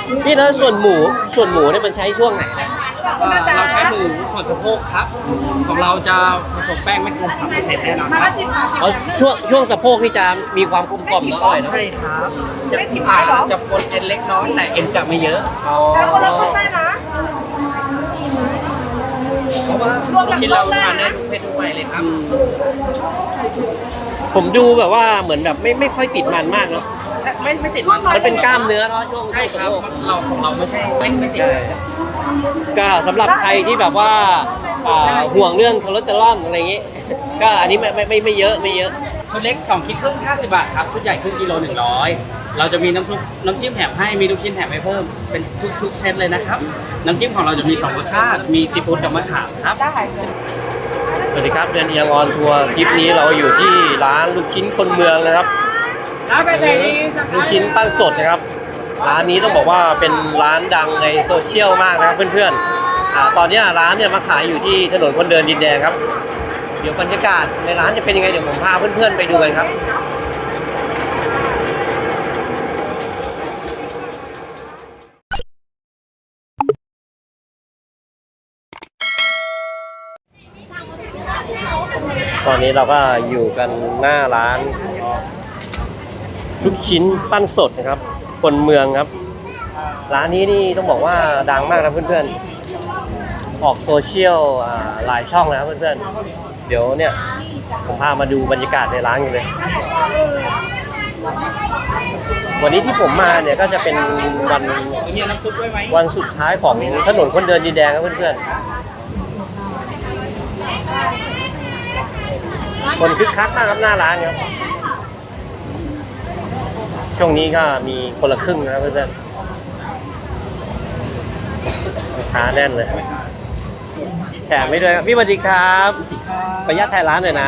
พี่แล้วส่วนหมูเนี่ยมันใช้ช่วงไหนเราใช้หมูส่วนสะโพกครับของเราจะผสมแป้งไม่เกิน3%แน่นอนครับอ๋อช่วงสะโพกนี่จะมีความกลมกล่อมแล้วอร่อยเนอะใช่ครับจะปนเอ็นเล็กน้อยแต่เอ็นจะไม่เยอะอ๋อแล้วคนละคนได้นะเพราะว่าที่เราทานได้ทุกเพศทุกวัยเลยครับผมดูแบบว่าเหมือนแบบไม่ค่อยติดมันมากเนาะใช่ไม่ติดมันมันเป็นกล้ามเนื้อเนาะช่วงใช่ครับสะโพกเราของเราไม่ใช่ไม่ติดใช่ก็สำหรับใครที่แบบว่าห่วงเรื่องคอเลสเตอรอลอะไรอย่างงี้ ก็อันนี้ไม่เยอะไม่เยอะชุดเล็ก2 คิดครึ่ง50 บาทครับชุดใหญ่ครึ่งกิโล100เราจะมีน้ำซุปน้ำจิ้มแถมให้มีลูกชิ้นแถมให้เพิ่มเป็นทุกเซตเลยนะครับน้ำจิ้มของเราจะมี2 รสชาติมีซีฟู้ดกับมะขามครับได้สวัสดีครับเดือนเอียงออนทัวร์คลิปนี้เราอยู่ที่ร้านลูกชิ้นคนเมืองนะครับร้านไปไหนลูกชิ้นปั้นสดนะครับร้านนี้ต้องบอกว่าเป็นร้านดังในโซเชียลมากนะครับเพื่อนๆตอนนี้ร้านเนี่ยมาขายอยู่ที่ถนนคนเดินดินแดงครับเดี๋ยวบรรยากาศในร้านจะเป็นยังไงเดี๋ยวผมพาเพื่อนๆไปดูกันครับตอนนี้เราก็อยู่กันหน้าร้านลูกชิ้นปั้นสดนะครับคนเมืองครับร้านนี้นี่ต้องบอกว่าดังมากนะเพื่อนๆออกโซเชียลหลายช่องนะครับเพื่อนๆเดี๋ยวเนี่ยผมพามาดูบรรยากาศในร้านกันเลยวันนี้ที่ผมมาเนี่ยก็จะเป็นวันสุดท้ายของถนนคนเดินดินแดงครับเพื่อนๆคนคึกคักมากครับหน้าร้านครับช่วงนี้ก็มีคนละครึ่งนะครับเพื่อนๆลูกค้าแน่นเลยแถมไม่ด้วยครับพี่สวัสดีครับขออนุญาตถ่ายร้านหน่อยนะ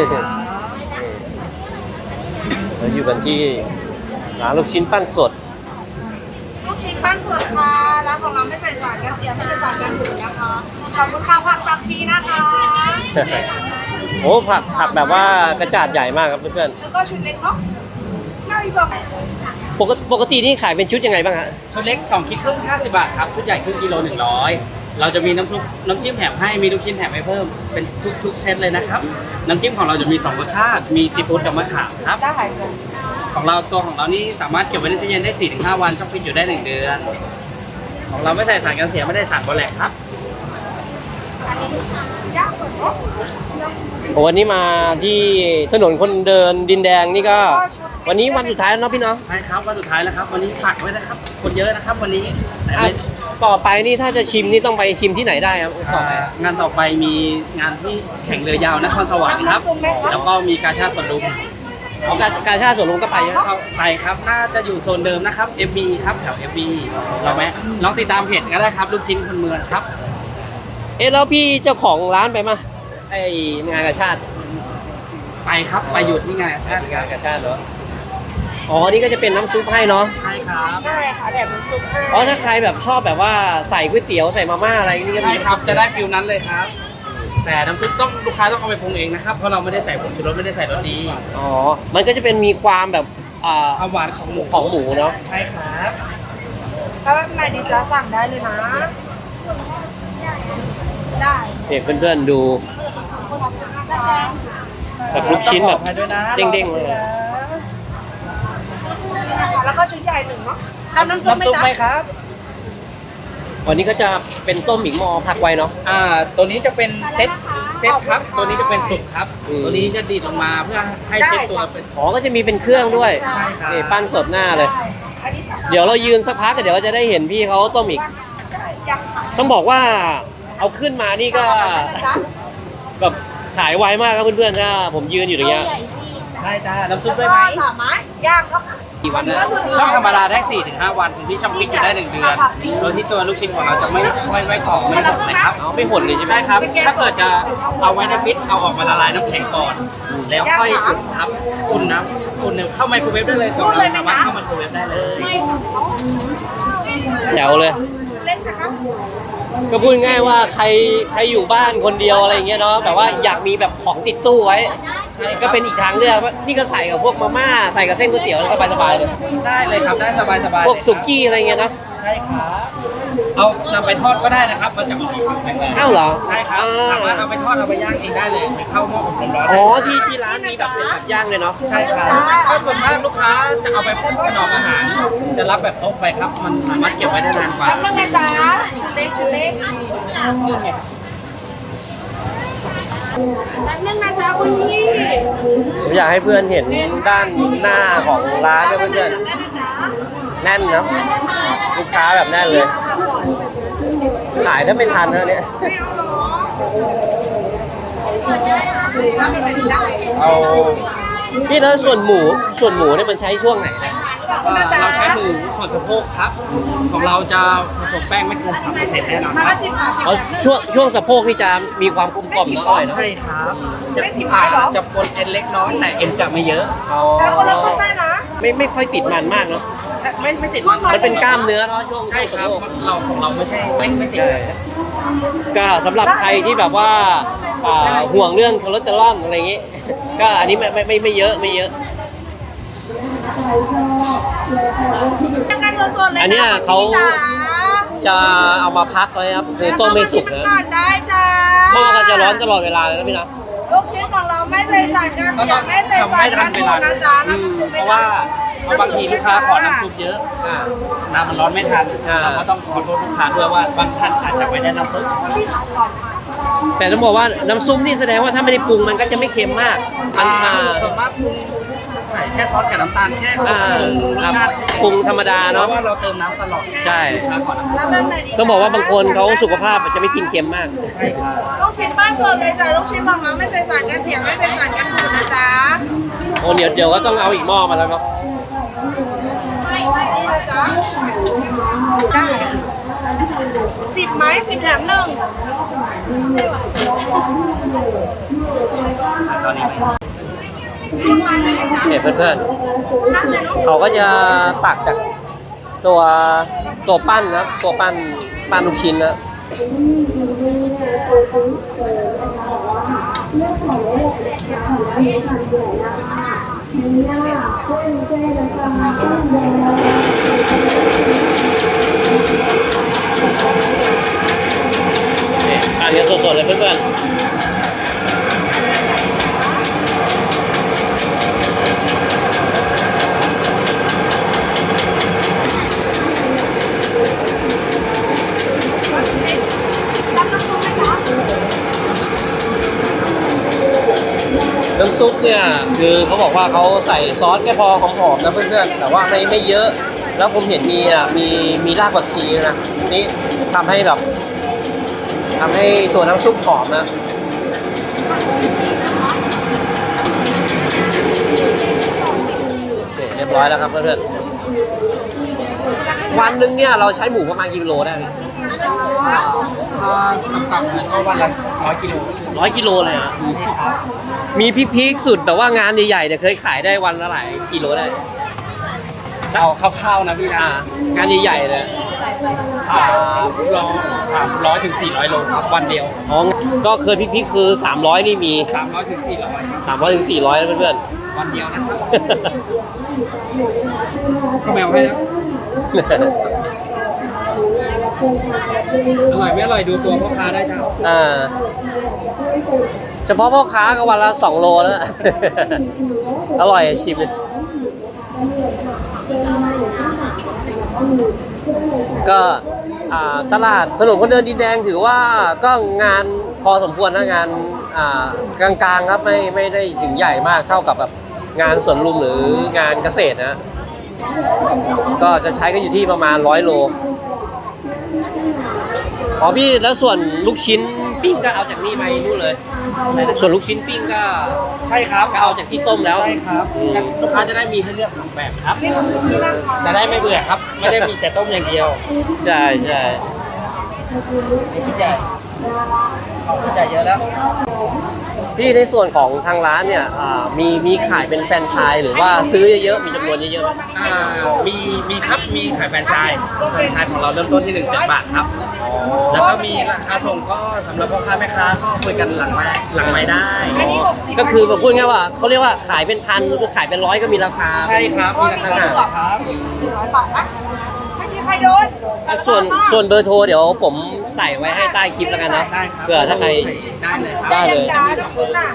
เราอยู่กันที่ร้านลูกชิ้นปั้นสดลูกชิ้นปั้นสดค่ะร้านของเราไม่ใส่สารกันเสียไม่ใส่สารกันบูดนะคะขอบคุณค่ะผักตับฟรีนะคะโอ้ผักแบบว่ากระจาดใหญ่มากครับเพื่อนแล้วก็ชุดเล็กเนาะหน้าอีกสองๆปกตินี่ขายเป็นชุดยังไงบ้างฮะชุดเล็ก2 คิดครึ่ง50 บาทครับชุดใหญ่ครึ่งกิโล100เราจะมีน้ำซุปน้ำจิ้มแถมให้มีลูกชิ้นแถมให้เพิ่มเป็นทุกเซตเลยนะครับน้ำจิ้มของเราจะมี2 รสชาติมีซีฟู้ดกับมะขามครับได้ของเรานี่สามารถเก็บไว้ในตู้เย็นได้ 4-5 วันช่องฟิตอยู่ได้ 1 เดือนของเราไม่ใส่สารกันเสียไม่ได้สารบอแลกครับย่างก่อนเนาะวันนี้มาที่ถนนคนเดินดินแดงนี่ก็วันนี้วันสุดท้ายแล้วเนาะพี่เนาะใช่ครับวันสุดท้ายแล้วครับวันนี้ฝากไว้นะครับคนเยอะนะครับวันนี้แต่ต่อไปนี่ถ้าจะชิมนี่ต้องไปชิมที่ไหนได้ครับต่อไปงานต่อไปมีงานที่แข่งเรือยาวนครสวรรค์ครับแล้วก็มีกาชาติสวนลุมการชาติสวนลุมก็ไปใช่ไหมเข้าไปครับน่าจะอยู่โซนเดิมนะครับ FB ครับแถว FB เราไหมลองติดตามเพจก็ได้ครับลูกชิ้นคนเมืองครับแล้วพี่เจ้าของร้านไปมาไองานกาชาติไปครับไปหยุดที่งานชาติงานกาชาติเหรออ๋อนี่ก็จะเป็นน้ำซุปให้เนาะใช่ครับใช่ค่ะแบบน้ำซุปให้อ๋อถ้าใครแบบชอบแบบว่าใส่ก๋วยเตี๋ยวใส่มาม่าอะไรนี่ก็ใช่มีครับจะได้ฟิลนั้นเลยครับ แต่น้ำซุปต้องลูกค้าต้องเอาไปปรุงเองนะครับเพราะเราไม่ได้ใส่ผงชูรสไม่ได้ใส่รสดีอ๋อมันก็จะเป็นมีความแบบความหวานของหมูของหมูเนาะใช่ครับถ้าแบบไหนดีจะสั่งได้เลยนะได้เนี่ยเพื่อนๆดูแบบลูกชิ้นแบบเด้งๆเลยแล้วก็ชุดใหญ่หนึ่งเนาะเอาน้ำซุปไหมน้ำซุปจ๊ะไหมครับวันนี้ก็จะเป็นต้มหมิงมอผักไว้เนาะตัวนี้จะเป็นเซตครับตัวนี้จะเป็นสุกครับอืมตัวนี้จะดีดลงมาเพื่อให้เซตตัวเป็นอ๋อก็จะมีเป็นเครื่องด้วยใช่ครับนี่ปั้นสดหน้าเลยอันนี้ตับเดี๋ยวเรายืนสักพักเดี๋ยวจะได้เห็นพี่เขาต้มอีกยังค่ะต้องบอกว่าเอาขึ้นมานี่ก็จ๊ะแบบขายไวมากครับเพื่อนๆถ้าผมยืนอยู่อย่างเงี้ยได้จ้าน้ำซุปแล้วได้ก็ไหมสามไม้ย่างครับกี่วันนะช่องธรรมดาได้ 4-5 วันถึงที่ช่องฟิตอยู่ได้ 1 เดือนโดยที่ตัวลูกชิ้นของเราจะไม่กรอบไม่หดนะครับเอาไม่หดเลยใช่ไหมใช่ครับ ถ้าเกิดจะเอาไว้ในฟิตเอาออกมาละลายน้ำแข็งก่อน แล้วค่อยอุ่นครับอุ่นนะอุ่นเข้าไมโครเวฟได้เลยของเราสามารถเข้าไมโครเวฟได้เลยแถวเลยเล็กนะคะก็พูดง่ายว่าใครอยู่บ้านคนเดียวอะไรอย่างเงี้ยเนาะแบบว่าอยากมีแบบของติดตู้ไว้ก็เป็นอีกทางเลือกนี่ก็ใส่กับพวกมาม่าใส่กับเส้นก๋วยเตี๋ยวแล้วสบายๆเลยได้เลยครับได้สบายๆพวกสุกี้อะไรเงี้ยเนาะใช่ครับเอานำไปทอดก็ได้นะครับมันจะออกมาความแข็งแรงอ้าวเหรอใช่ครับสามารถเอาไปทอดเอาไปย่างเองได้เลยไปเข้าหม้ออบลมร้อนอ๋อที่ร้านมีแบบเป็นแบบย่างเลยเนาะใช่ครับก็ส่วนมากลูกค้าจะเอาไปถนอมอาหาร จะรับแบบโต๊ะไปครับ มันสามารถเก็บไว้ได้นานกว่าแป๊บนึงนะจ๊ะชุดเล็กชุดเล็กแป๊บนึงนะจ๊ะคุณพี่ผมอยากให้เพื่อนเห็นด้านหน้าของร้านด้วยเพื่อนได้นะจ๊ะๆแน่นเนาะลูกค้าแบบแน่นเลยเอาผักก่อนขายถ้าไม่ทันนะเนี่ยไม่เอาหรอรับเป็นได้เอาพี่แล้วส่วนหมูเนี่ยมันใช้ช่วงไหนนะขอบคุณนะจ๊ะเราใช้หมูส่วนสะโพกครับ ของเราจะผสมแป้งไม่เกิน 3%แน่นอนมาครัละบสิบบาทเอาช่วงสะโพกนี่จะมีความกลมกล่อมเนาะอร่อยเนาะใช่ครับจะไม่ผิดหมายเหรอจะปนเอ็นเล็กน้อยแต่เอ็นจะไม่เยอะอ๋อแล้วคนละคนได้นะไม่ค่อยติดมันมากเนาะใช่ไม่ติดมันมันเป็นกล้ามเนื้อเนาะช่วงใช่คสะรับโพกเราของเราไม่ใช่ไม่ติดใช่ก็สำหรับใครที่แบบว่าห่วงเรื่องคอเลสเตอรอลอะไรอย่างงี้ ก็อันนี้ไม่เยอะไม่เยอะยังไงสดๆเลยอันเนี้ยเขาคุณพี่จ๋าจะเอามาพักไว้ครับคือต้มไม่สุกแล้วนะก่อนได้จ้าหม้อก็จะร้อนตลอดเวลาเลยนะพี่นะลูกชิ้นของเราไม่ใส่สารกันเสียไม่ใส่สารกันบูดนะจ๊ะเพราะว่าบางทีลูกค้าขอน้ำซุปเยอะน้ำมันร้อนไม่ทันเราก็ต้องขอโทษลูกค้าด้วยว่าบางท่านอาจจะไม่ได้น้ำซุปแต่ต้องบอกว่าน้ำซุปนี่แสดงว่าถ้าไม่ได้ปรุงมันก็จะไม่เค็มมากมันมาส่วนมากปรุงใส่แค่ซอสกับน้ำตาลแค่ปรุงรสชาติปรุงธรรมดาเพเนาะราะว่าเราเติมน้ำตลอดใช่ลูกค้าขอน้ำซุปแล้วแบบไหนดีต้องบอกว่าบางคนเขาสุขภาพจะไม่กินเค็มมากใช่ครับลูกชิ้นบ้านสดเลยจ้ะลูกชิ้นของเราไม่ใส่สารกันเสียไม่ใส่สารกันบูดนะจ๊ะโอ้เดี๋ยวก็ต้องเอาอีกหม้อมาแล้วเนาะได้10 ไม้ 10 แถมหนึ่งตอนนี้เนี่ยเพื่อนนั่งเลยเนาะๆเขาก็จะตักจากตัวปั้นนะตัวปั้นลูกชิ้นนะเนี่ยทานกันสดๆเลยเพื่อนๆรับน้ำซุปไหมจ๊ะน้ำซุปเนี่ยคือเขาบอกว่าเขาใส่ซอสแค่พอหอมๆนะเพื่อนๆแต่ว่าไม่เยอะแล้วผมเห็นมีรากผักชีนะนี่ทำให้ตัวน้ำซุปหอมนะโอเคเรียบร้อยแล้วครับเพื่อนๆวันหนึงเนี่ยเราใช้หมูประมาณกี่กิโลได้พี่ต่ำๆเลยก็วันละ100 กิโล 100 กิโลเลยอ่ะมีพีคๆสุดแต่ว่างานใหญ่ๆเนี่ยเคยขายได้วันละหลายกิโลได้เอาคร่าวๆนะพี่นะงานใหญ่ๆเลย 300ถึง400 โลครับวันเดียวอ๋อก็เคยพีคๆคือ300นี่มี 300ถึง400ครับ 300ถึง400นะเพื่อนวันเดียวนะครับๆก็แมวให้นะอร่อยไม่อร่อยดูตัวพ่อค้าได้ครับเฉพาะพ่อค้าก็วันละ2 โลแล้ว อร่อยชิมเลยก็ตลาดถนนคนเดินดินแดงถือว่าก็งานพอสมควรนะงานกลางๆครับไม่ได้ถึงใหญ่มากเท่ากับแบบงานสวนลุมหรืองานเกษตรนะก็จะใช้กันอยู่ที่ประมาณ100 โลอ๋อพี่แล้วส่วนลูกชิ้นปิ้งก็เอาจากนี่ไปนู่นเลยส่วนลูกชิ้นปิ้งก็ใช่ครับก็เอาจากที่ต้มแล้วใช่ครับลูกค้าจะได้มีให้เลือก2แบบครับนี่ของคุณนะคะจะได้ไม่เบื่อครับ ไม่ได้มีแต่ต้มอย่างเดียวใช่ใช่มีชิ้นใหญ่ของชิ้นใหญ่เยอะแล้วพี่ในส่วนของทางร้านเนี่ยมีขายเป็นแฟรนไชส์หรือว่าซื้อเยอะๆมีจำนวนเยอะมีครับมีขายแฟรนไชส์ของเราเริ่มต้นที่17 บาทครับ แล้วก็มีราคาส่งก็สำหรับพ่อค้าแม่ค้าก็คุยกันหลังไม้ได้อันนี้60 ๆก็คือแบบพูดง่ายๆว่าเขาเรียกว่าขายเป็นพันหรือขายเป็นร้อยก็มีราคาใช่ครับมีราคาครับ 100 บาทนะไม่มีใครโดนส่วนเบอร์โทรเดี๋ยวผมใส่ไว้ให้ใต้คลิปแล้วกันเนาะได้ครับเผื่อถ้าใครได้เลยครับได้เลยจ้าทุกคนน่ะ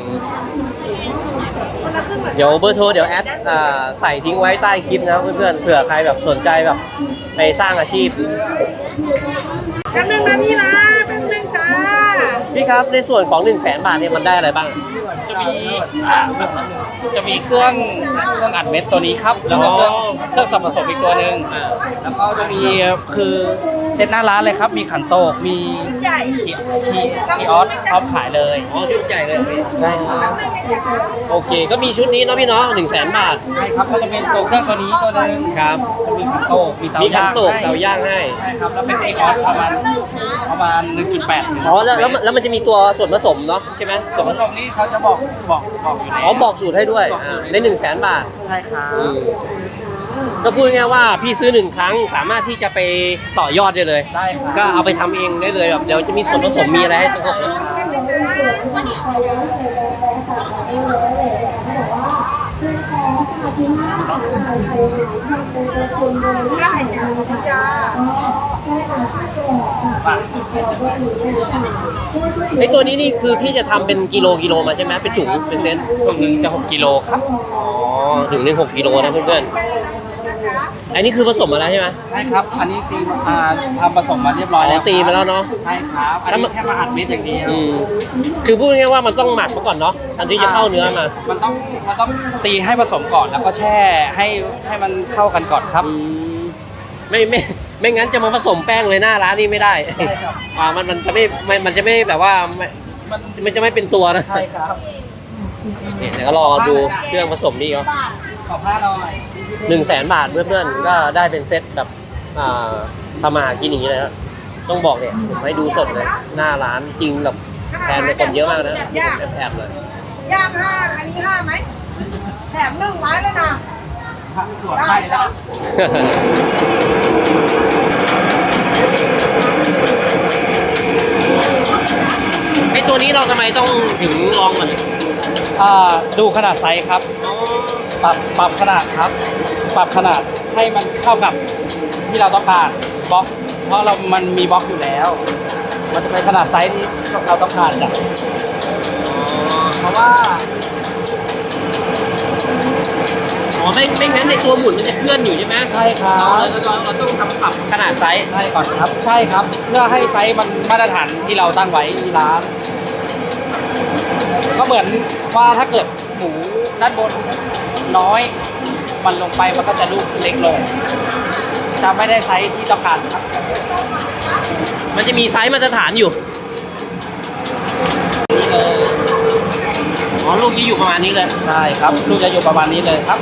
คนละครึ่งหมือนกันเดี๋ยวเบอร์โทรเดี๋ยวแอดใส่ทิ้งไว้ใต้คลิปนะเพื่อนๆเผื่อใครแบบสนใจแบบไปสร้างอาชีพแป๊บนึงนะพี่นะแป๊บนึงจ้าพี่ครับในส่วนของ 100,000 บาทเนี่ยมันได้อะไรบ้างจะมีจะมีเครื่องอัดเม็ดตัวนี้ครับ แล้วก็เครื่องสับผสมอีกตัวหนึ่งแล้วก็จะมีคือเซตหน้าร้านเลยครับ มีขันโตกมีใหญ่คีออสพร้อมขายเลยอ๋อชุดใหญ่เลยพี่ใช่ครับแป๊บนึงนะจ๊ะโอเคก็มีชุดนี้เนาะพี่เนาะ100,000 บาทใช่ครับก็จะเป็นตัวเครื่องตัวนี้ตัวหนึงครับมีขันโตกมีเตามีขันย่างโตกให้เตาย่างให้ใช่ครับแล้วเป็นคีออสประมาณ 1.8 อ๋อแล้วมันจะมีตัวส่วนผสมเนาะใช่ไหมส่วนผสมนี้เขาจะบอกอยู่ในอ๋อบอกสูตรให้ด้วยใน 100,000 บาทใช่ครับก็พูดง่ายๆว่าพี่ซื้อ1 ครั้งสามารถที่จะไปต่อยอดได้เลยได้ครับก็เอาไปทำเองได้เลยแบบเดี๋ยวจะมีส่วนผสมมีอะไรให้ทั้งหมดเลยได้จ้าไอตัวนี้นี่คือพี่จะทำเป็นกิโลมาใช่ไหมเป็นถุงเป็นเซนถุงหนึงจะ6กิโลครับอ๋อถุงหนึง6 กิโลนะเพื่อนๆอันนี้คือผสมมาแล้วใช่ไหมใช่ครับ อันนี้ตีมาทำผสมมาเรียบร้อยแล้วตีมาแล้วเนาะใช่ครับ อันนี้แค่มาอัดเม็ดอย่างเดียวคือพูดง่ายๆว่ามันต้องหมักมาก่อนเนาะอันที่จะเข้าเนื้อมามันต้องตีให้ผสมก่อนแล้วก็แช่ให้มันเข้ากันก่อนครับไม่งั้นจะมาผสมแป้งเลยหน้าร้านนี่ไม่ได้ใช่ครับมันจะไม่แบบว่ามันจะไม่เป็นตัวนะใช่ครับเนี่ยเดี๋ยวก็รอดูเครื่องผสมนี่เนาะขอผ้าหน่อย 100,000 บาทเพื่อนๆก็ได้เป็นเซตแบบทำมาหากินอย่างนี้เลยนะต้องบอกเนี่ยผมให้ดูสดเลยหน้าร้านจริงแบบแทนเป็นคนเยอะมากนะแอบเลยย่างห้าอันนี้ห้าไหมแถม1 ไม้เลยนะส่วนให้แล้วไอตัวนี้เราทำไมต้องถึงลองมันดูขนาดไซส์ครับ ปรับขนาดครับ ปรับขนาดให้มันเข้ากับที่เราต้องการบล็อกเพราะมันมีบล็อกอยู่แล้ว มันจะเป็นขนาดไซส์ที่เราต้องการจ้ะเพราะว่าอ๋อไม่งั้นในตัวหมุนมันจะเคลื่อนอยู่ใช่ไหมใช่ครับเราต้องทำปรับขนาดไซส์ใช่ก่อนครับ ใช่ครับ เพื่อให้ไซส์มันมาตรฐานที่เราตั้งไว้ที่ร้าน ก็เหมือนว่าถ้าเกิดหมูด้านบนน้อย มันลงไปมันก็จะลูกเล็กลง จะไม่ได้ไซส์ที่ต้องการครับมันจะมีไซส์มาตรฐานอยู่อ๋อลูกนี้อยู่ประมาณนี้เลยใช่ครับ ลูกจะอยู่ประมาณนี้เลยครับ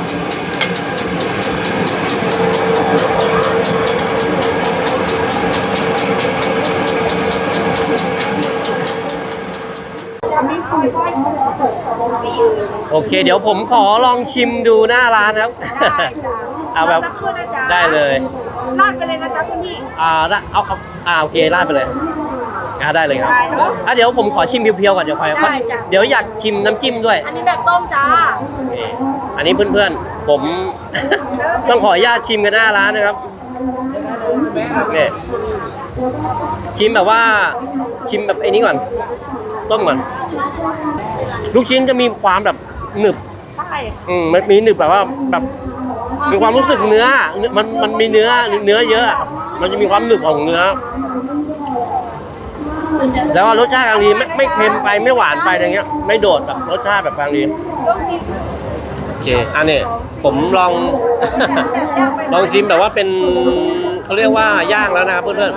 อันนี้ค่อยๆสีโอเค เดี๋ยวผมขอลองชิมดูหน้าร้านครับได้จ้าเอาแบบสักครู่นะจ๊ะได้เลยราดไปเลยนะจ๊ะคุณพี่โอเคราดไปเลยได้เลยครับได้เนาะเดี๋ยวผมขอชิมเพียวๆก่อนเดี๋ยวค่อยได้จ้ะเดี๋ยวอยากชิมน้ำจิ้มด้วยอันนี้แบบต้มจ้านี่อันนี้เพื่อนๆผม ต้องขออนุญาตชิมกันหน้าร้านนะครับเนี่ยชิมแบบว่าชิมแบบไอ้นี้ก่อนต้มก่อนลูกชิ้นจะมีความแบบหนึบใช่มันมีหนึบแบบว่าแบบมีความรู้สึกเนื้อมันมีเนื้อเยอะมันจะมีความหนึบของเนื้อแล้วรสชาติกลางดีไม่เค็มไปไม่หวานไปอะไรเงี้ยไม่โดดแบบรสชาติแบบกลางดีต้องชิมโอเคอันนี้ผมลอง ลองชิมแบบว่าเป็นเขาเรียกว่าย่างแล้วนะครับเพื่อน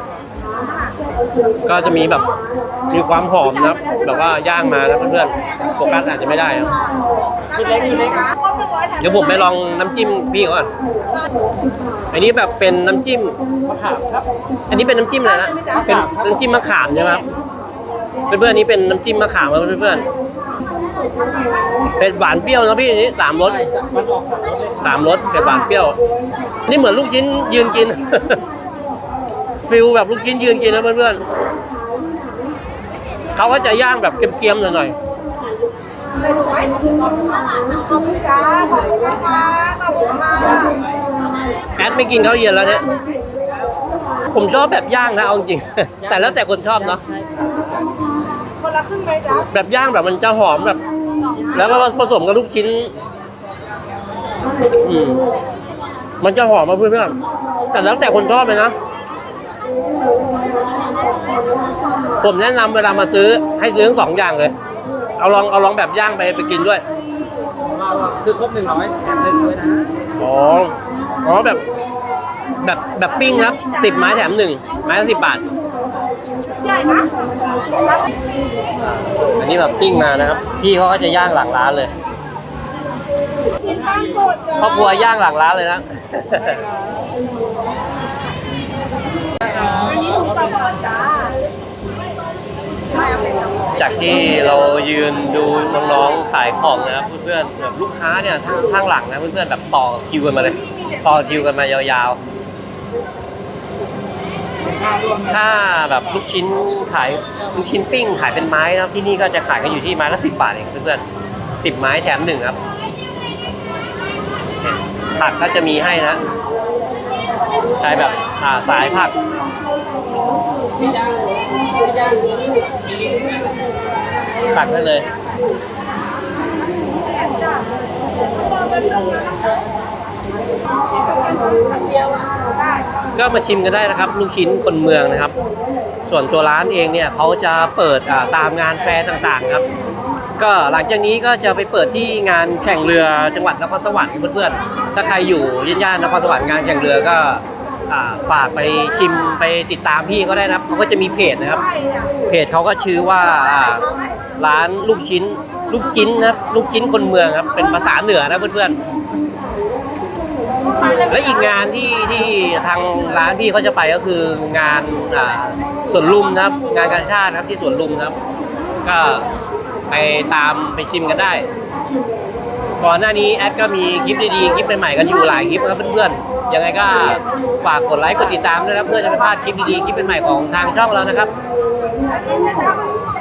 ๆก็จะมีแบบมีความหอมนะครับแบบว่าย่างมานะเพื่อนๆโฟกัสอาจจะไม่ได้นะชุดเล็ก เดี๋ยวผมไปลองน้ำจิ้มพี่ก่อนอันนี้แบบเป็นน้ำจิ้มมะขามครับอันนี้เป็นน้ำจิ้มอะไรนะเป็นน้ำจิ้มมะขามใช่ไหมครับเพื่อนๆนี้เป็นน้ำจิ้มมะขามครับเพื่อนๆเป็นหวานเปรี้ยวนะพี่อันนี้3 รสมันออก3 รสเลย 3 รสเผ็ดหวานเปรี้ยว นี่เหมือนลูกชิ้นยืนกิน ฟิลแบบลูกชิ้นยืนกินนะเพื่อนๆเขาก็จะย่างแบบเกรียมๆหน่อยไปดูไว้ขอบคุณจ้าขอบคุณนะคะขอบคุณค่ะๆแอดไม่กินข้าวเย็นแล้วเนี่ยผมชอบแบบย่างนะเอาจริงๆ แต่แล้วแต่คนชอบเนาะใช่ครับคนละครึ่งไหมจ๊ะแบบย่างแบบมันจะหอมแบบ แล้วก็ผสมกับลูกชิ้น มันจะหอมมาเพื่อนๆแต่แล้วแต่คนชอบเลยนะ ผมแนะนำเวลามาซื้อให้ซื้อทั้งสองอย่างเลย เอาลองแบบย่างไปกินด้วยซื้อครบ100แถม1ด้วยนะอ๋อแบบปิ้งครับ10 ไม้แถม1 ไม้ละ10 บาทใหญ่นะรับอันนี้แบบปิ้งมานะครับ พี่เขาก็จะย่างหลังร้านเลยชิ้นปั้นสดจ้ะครอบครัวย่างหลังร้านเลยนะอันนี้ถูกตับจ้าจากที่เรายืนดูน้องๆขายของนะครับเพื่อนๆแบบลูกค้าเนี่ยข้างหลังนะเพื่อนๆแบบต่อคิวกันมาเลย ต่อคิวกันมายาวๆ ถ้าแบบลูกชิ้นขายลูกชิ้นปิ้งขายเป็นไม้นะครับที่นี่ก็จะขายกันอยู่ที่ไม้ละ10 บาทเองเพื่อนๆ10 ไม้แถม1ครับผักก็จะมีให้นะใช้แบบสายผักตักได้เลย ก็มาชิมกันได้นะครับ ลูกชิ้นคนเมืองนะครับ ส่วนตัวร้านเองเนี่ยเขาจะเปิดตามงานแฟร์ต่างๆครับ ก็หลังจากนี้ก็จะไปเปิดที่งานแข่งเรือจังหวัดนครสวรรค์เพื่อนๆถ้าใครอยู่ย่านนครสวรรค์งานแข่งเรือก็ฝากไปชิมไปติดตามพี่ก็ได้นะครับเขาก็จะมีเพจนะครับ เพจเขาก็ชื่อว่าร้านลูกชิ้นนะครับลูกชิ้นคนเมืองครับเป็นภาษาเหนือนะเพื่อนๆและอีกงานที่ทางร้านพี่เขาจะไปก็คืองานสวนลุมนะครับงานกาชาตินะครับที่สวนลุมนะครับ ก็ไปตามไปชิมกันได้ก่อนหน้านี้แอดก็มีคลิปดีๆคลิปใหม่ๆกันอยู่หลายคลิปนะครับเพื่อนๆยังไงก็ฝากกดไลค์กดติดตามด้วยนะครับเพื่อจะไม่พลาดคลิปดีๆคลิปใหม่ๆของทางช่องเรานะครับอันนี้นะจ๊ะ